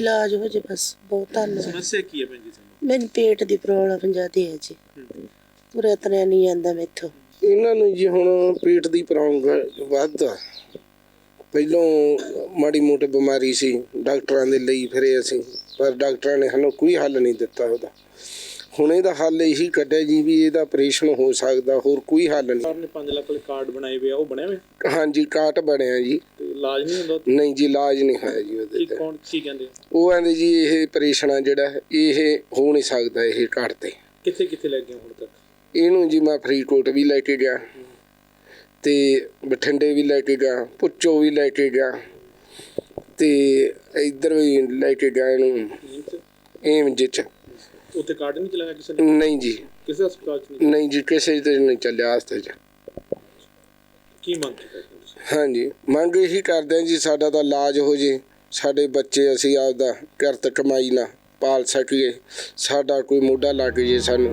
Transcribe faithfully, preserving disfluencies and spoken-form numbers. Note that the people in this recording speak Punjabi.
ਇਲਾਜ ਹੋ ਜੇ ਬਸ ਬਹੁਤ ਧੰਨਵਾਦ। ਸਮੱਸਿਆ ਕੀ ਹੈ ਭੈਣ ਜੀ ਤੁਹਾਨੂੰ? ਮੈਨੂੰ ਪੇਟ ਦੀ ਪ੍ਰੋਬਲਮ ਜ਼ਿਆਦੀ ਹੈ ਜੀ, ਤੁਰਿਆ ਤੁਰਿਆ ਨਹੀਂ ਜਾਂਦਾ ਮੈਥੋਂ। ਇਹਨਾਂ ਨੂੰ ਜੀ ਹੁਣ ਪੇਟ ਦੀ ਪ੍ਰੋਬਲਮ ਵੱਧਦਾ, ਪਹਿਲੋਂ ਮਾੜੀ ਮੋਟੀ ਬਿਮਾਰੀ ਸੀ, ਡਾਕਟਰਾਂ ਦੇ ਲਈ ਫਿਰੇ ਅਸੀਂ, ਪਰ ਡਾਕਟਰਾਂ ਨੇ ਸਾਨੂੰ ਕੋਈ ਹੱਲ ਨਹੀਂ ਦਿੱਤਾ ਉਹਦਾ। ਹੁਣ ਇਹਦਾ ਹੱਲ ਇਹੀ ਕੱਢਿਆ ਜੀ ਵੀ ਇਹਦਾ ਆਪਰੇਸ਼ਨ ਹੋ ਸਕਦਾ, ਹੋਰ ਕੋਈ ਹੱਲ ਨਹੀਂ। ਸਰਕਾਰ ਨੇ ਪੰਜ ਲੱਖ ਵਾਲੇ ਕਾਰਡ ਬਣਾਏ ਹੋਏ ਆ, ਉਹ ਬਣੇ ਹੋਏ? ਹਾਂਜੀ, ਕਾਰਡ ਬਣਿਆ ਜੀ। ਤੇ ਇਲਾਜ ਨਹੀਂ ਹੁੰਦਾ? ਨਹੀਂ ਜੀ, ਇਲਾਜ ਨਹੀਂ ਹੋਇਆ ਜੀ ਉਹਦੇ ਕੀ ਤੇ। ਕੌਣ ਕੀ ਕਹਿੰਦੇ? ਉਹ ਕਹਿੰਦੇ ਜੀ ਇਹ ਆਪਰੇਸ਼ਨ ਆ ਜਿਹੜਾ ਇਹ ਹੋ ਨਹੀਂ ਸਕਦਾ ਇਹ ਕਾਰਡ ਤੇ। ਕਿੱਥੇ ਕਿੱਥੇ ਲੈ ਗਏ ਹੁਣ ਤੱਕ? ਇਹਨੂੰ ਜੀ ਮੈਂ ਫਰੀਦਕੋਟ ਵੀ ਲੈ ਕੇ ਗਿਆ ਤੇ ਬਠਿੰਡੇ ਵੀ ਲੈ ਕੇ ਗਿਆ, ਪੁੱਚੋ ਵੀ ਲੈ ਕੇ ਗਿਆ ਤੇ ਇੱਧਰ ਵੀ ਲੈ ਕੇ ਗਿਆ ਇਹਨੂੰ ਏਮਜ 'ਚ। ਉੱਥੇ ਕਾਰਡ ਨਹੀਂ ਚਲਾਇਆ ਕਿਸੇ ਨੇ? ਨਹੀਂ ਜੀ, ਕਿਸੇ ਹਸਪਤਾਲ 'ਚ ਨਹੀਂ? ਨਹੀਂ ਜੀ, ਕਿਸੇ ਤੇ ਨਹੀਂ ਚੱਲਿਆ ਹਸਤੇ 'ਚ। ਕੀ ਮੰਗ ਕਰਦੇ ਤੁਸੀਂ? ਹਾਂਜੀ, ਮੰਗ ਇਹੀ ਕਰਦੇ ਹਾਂ ਜੀ ਸਾਡਾ ਤਾਂ ਇਲਾਜ ਹੋ ਜੇ, ਸਾਡੇ ਬੱਚੇ ਅਸੀਂ ਆਪਦਾ ਕਿਰਤ ਕਮਾਈ ਨਾਲ ਪਾਲ ਸਕੀਏ, ਸਾਡਾ ਕੋਈ ਮੋਢਾ ਲੱਗ ਜੇ ਸਾਨੂੰ।